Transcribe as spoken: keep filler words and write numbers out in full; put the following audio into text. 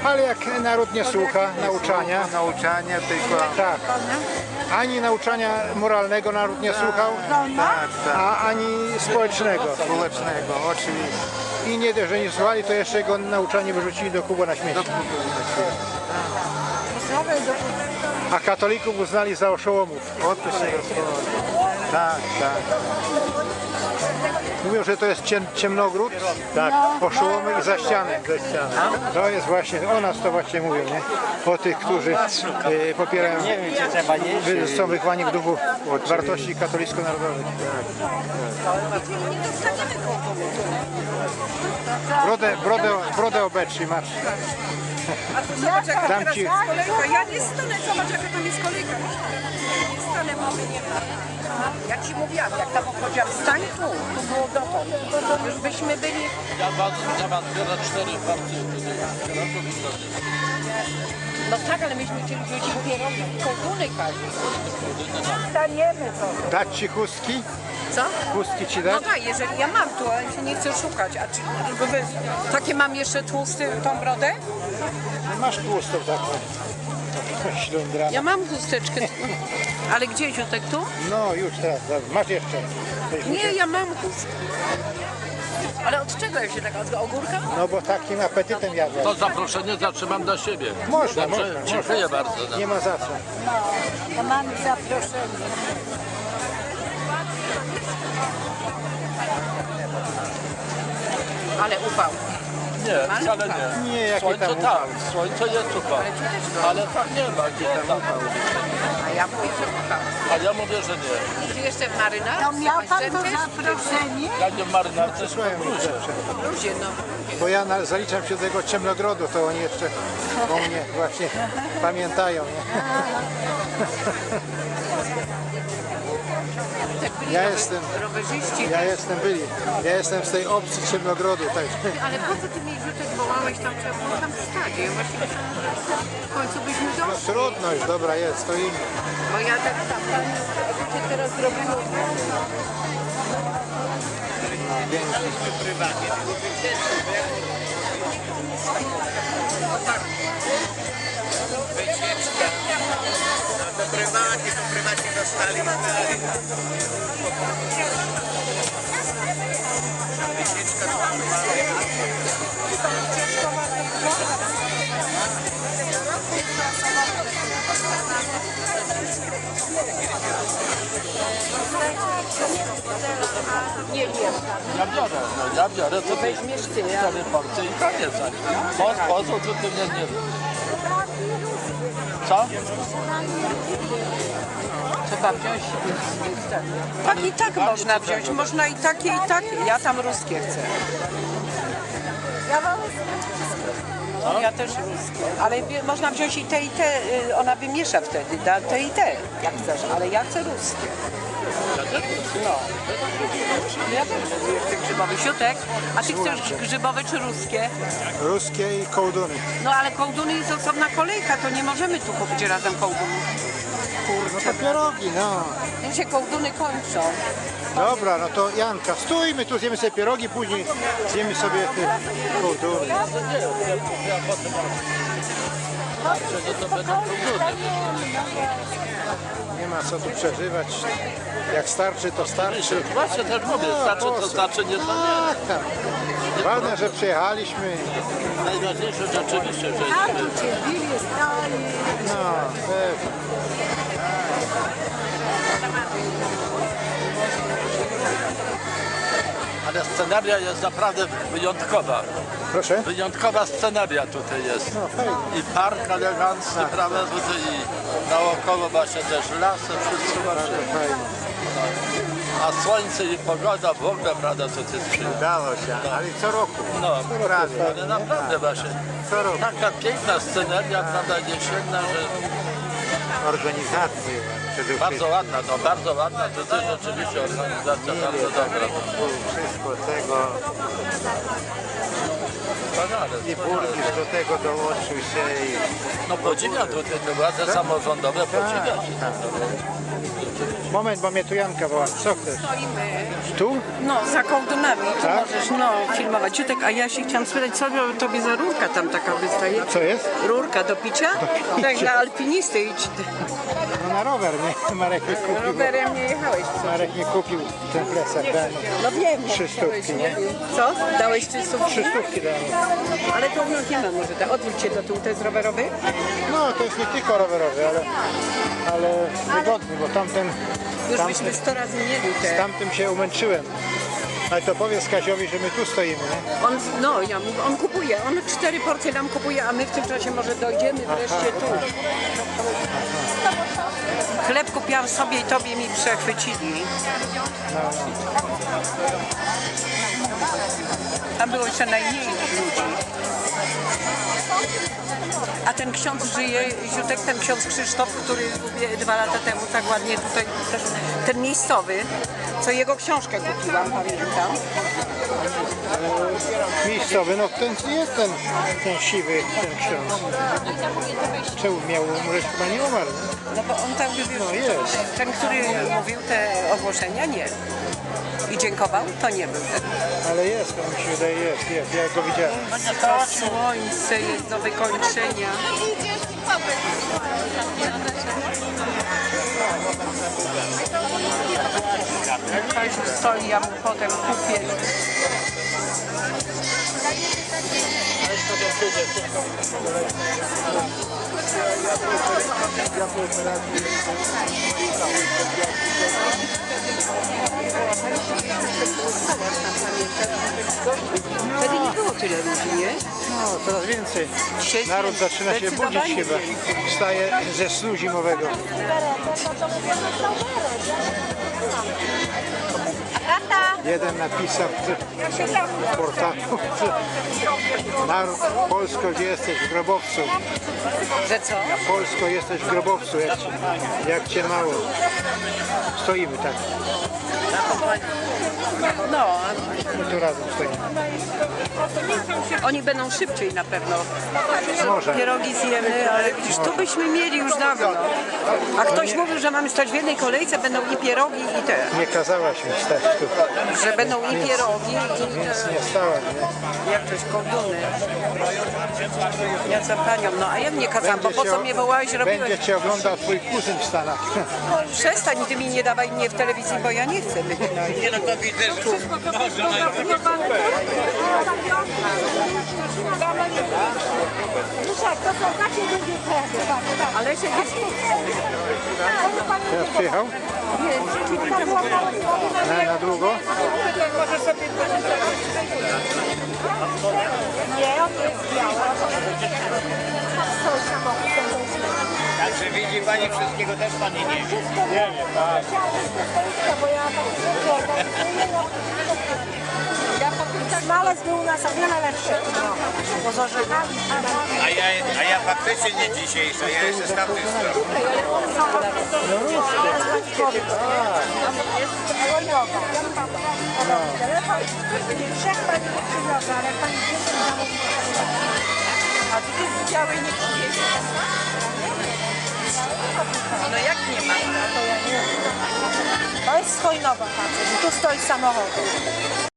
Ale jak naród nie słucha nauczania, Nauczania tylko... tak, ani nauczania moralnego naród nie słuchał, Tak, tak. a ani społecznego. Społecznego, oczywiście. I nie dość, że nie słuchali, to jeszcze jego nauczanie wyrzucili do kuba na śmieci. A katolików uznali za oszołomów. O to się rozchodzi. Tak, tak. Mówią, że to jest ciem, ciemnogród, tak, oszołomy i za ścianę. To jest właśnie, o nas to właśnie mówią, nie? O tych, którzy e, popierają, wy- są wychowani w duchu wartości katolicko-narodowych. Brodę, brodę, brodę obecz, masz. Zobacz, jaka Dam teraz ci- jest kolejka. Ja nie stanę, zobacz, jaka tam jest kolejka. Nie stanę, mamy nie ma. Ja ci mówiłam, jak tam obchodziłam, stań tu, tu było dotąd. Już byśmy byli... Ja mam, ja mam biorę cztery partie No tak, ale myśmy chcieli ludzi pierogi, kołtuny każdy. Staniemy to. Dać ci chustki? Co? Chustki ci No dać? tak, jeżeli ja mam tu, ale się nie chcę szukać. A czy tylko wy, takie mam jeszcze tłusty, tą brodę? Masz tłustą taką. Ślądraną. Ja mam chusteczkę. Ale gdzie, Ziutek, tu? No już teraz, dobra. Masz jeszcze. Coś Nie, muszę- ja mam chustkę. Ale od czego ja się tak, od ogórka? No bo takim apetytem jadłem. To zaproszenie zatrzymam dla siebie. Można, Dobrze? można, Dziękuję można. bardzo. No. Nie ma za co. Ja mam zaproszenie. Ale upał. Nie, wcale nie. Nie, jakie Słońce tam tak, słońce jest upał. Ale tak nie ma, gdzie tam upał. A ja mówię, że upał. A ja mówię, że nie. Ty jeszcze w marynarce? To miał pan to Masz zaproszenie? Ja nie w marynarce, tylko Przysłałem w mi bluzie. zawsze. w bluzie, no. Bo ja na, zaliczam się do tego ciemnogrodu, to oni jeszcze o mnie właśnie pamiętają. Nie? Tak byli Ja rower- jestem- rowerzyści. Ja jestem byli. Ja jestem z tej opcji ciemnogrodu. Tak. Ale po co ty mi rzutek wołałeś tam, trzeba było tam wstać? Ja właśnie myślałam, że w końcu byśmy No doszli. trudno już, dobra jest, stoimy. Bo ja tak tam, tam, a ty teraz zrobimy. Wycieczka. No to prywatnie, to prywatnie dostali. Wycieczka to prywatnie. Nie wiem. Ja biorę, no ja biorę, to ty Weźmiesz ty, ja. cztery porcje i koniec. Po sposób to ty mnie nie... Co? Trzeba wziąć. Tak i tak można wziąć. Można i takie, i takie. Ja tam ruskie chcę. No, ja też ruskie. Ale wie- można wziąć i te, i te. y, Ona wymiesza wtedy. Da te i te, jak chcesz. Ale ja chcę ruskie. No. Ja też chcę grzybowy. Siutek, a ty chcesz grzybowe czy ruskie? Ruskie i kołduny. No ale kołduny jest osobna kolejka, to nie możemy tu kupić razem kołdunów. No to pierogi, no. Tu się kołduny kończą. Dobra, no to Janka, stójmy tu, zjemy sobie pierogi, później zjemy sobie te kołduny. Nie ma co tu przeżywać. Jak starczy, to starczy. Właśnie też mówię, znaczy to znaczy nie to Tak, tak. Ważne, że przyjechaliśmy. nie. Najważniejsze rzeczywiście, że A tu cię bili, stali. No, pewnie. ale scenaria jest naprawdę wyjątkowa. Proszę? Wyjątkowa scenaria tutaj jest. No, fajnie. I park elegancki, prawda, tutaj i naokoło właśnie też lasy, wszystko właśnie. Fajnie. A słońce i pogoda w ogóle, prawda, to jest przyjemne. Udało się, ale co roku. No, Prawie. ale naprawdę właśnie. Co roku. Taka piękna sceneria, prawda, jesienna, że Organizacje przede bardzo wszystkim. ładna, no bardzo ładna, to też rzeczywiście organizacja bardzo dobra. Wszystko tego. I burmistrz do tego dołączył się i... No podziwia tutaj te władze samorządowe, podziwia się. Moment, bo mnie tu Janka woła. Co chcesz? Stoimy, Tu? no, za kołdunami, tu Tak? możesz, no, filmować. Ciutek, a ja się chciałam spytać, co tobie za rurka tam taka wystaje? Co jest? Rurka do picia? Tak, dla alpinisty idź. No na rower, nie? Marek nie kupił. Rowerem nie jechałeś. Marek nie kupił ten plecak. Dałem. No wiem. no, Trzy stówki, nie? Co? Dałeś trzy stówki? Trzy stówki dałem. Ale to no, nie ma może, tak. Odwróć się do tyłu, to jest rowerowy? No to jest nie tylko rowerowy, ale, ale wygodny, bo tamten, Już tamten, byśmy sto razy mieli z te. tamtym się umęczyłem. Ale to powiedz Kaziowi, że my tu stoimy, nie? On, no, ja, mówię, on kupuje, on cztery porcje nam kupuje, a my w tym czasie może dojdziemy wreszcie tu. Chleb kupiłam sobie i tobie mi przechwycili. Tam było jeszcze najmniej ludzi. A ten ksiądz żyje, Ziutek, ten ksiądz Krzysztof, który mówię, dwa lata temu tak ładnie tutaj, ten miejscowy, co jego książkę kupiłam, pamiętam. Miejscowy, no ten jest ten, ten siwy, ten ksiądz. Czemu miał umrzeć? Chyba nie umarł, nie? No bo on tak mówił, No jest. ten, który mówił te ogłoszenia, nie. I dziękował, to nie był. Ale jest, to mi się wydaje, jest, jest, ja go widziałem. To słońce jest do wykończenia. Kaziu stoi, ja mu potem kupię. Wtedy nie było tyle ludzi, nie? No, coraz więcej. Dzisiaj Naród zaczyna się budzić zdecydowanie chyba. Wstaje ze snu zimowego. Jeden napisał w portalu, naród, Polsko, gdzie jesteś w grobowcu? Że co? Polsko, jesteś w grobowcu, jak cię, jak cię mało. Stoimy tak, No, my tu razem stoimy. oni będą szybciej na pewno. Może. Pierogi zjemy, ale widzisz, tu byśmy mieli już dawno. A ktoś mówił, że mamy stać w jednej kolejce, będą i pierogi i te. Nie kazałaś mi stać tu, Że będą i pierogi i więc te, nie stałem, nie? jak coś kołduny. Ja za panią, no a ja nie kazałam, bo po cię co o- mnie wołałeś, robiłeś? Będzie cię oglądał twój kuzyn w Stanach. Przestań, ty mi nie dawaj mnie w telewizji, bo ja nie chcę być. Nie no, to widzę, że może Ale się nie... Teraz przyjechał? Na, na długo? Nie, on jest biały. Także widzi pani, wszystkiego też pani nie wie. Nie wiem, tak. Bo ja Smalec był u nas o wiele lepszy. Bo z orzechami. A ja, a ja faktycznie nie dzisiejsza, ja jeszcze z tamtej strony. Trzech pani nie przywiozła, ale pani dzieci zamówiła. A ty widziałeś, nie przyjedzie. No jak nie ma? To jest z Hojnowa facet. Tu stoi samochód.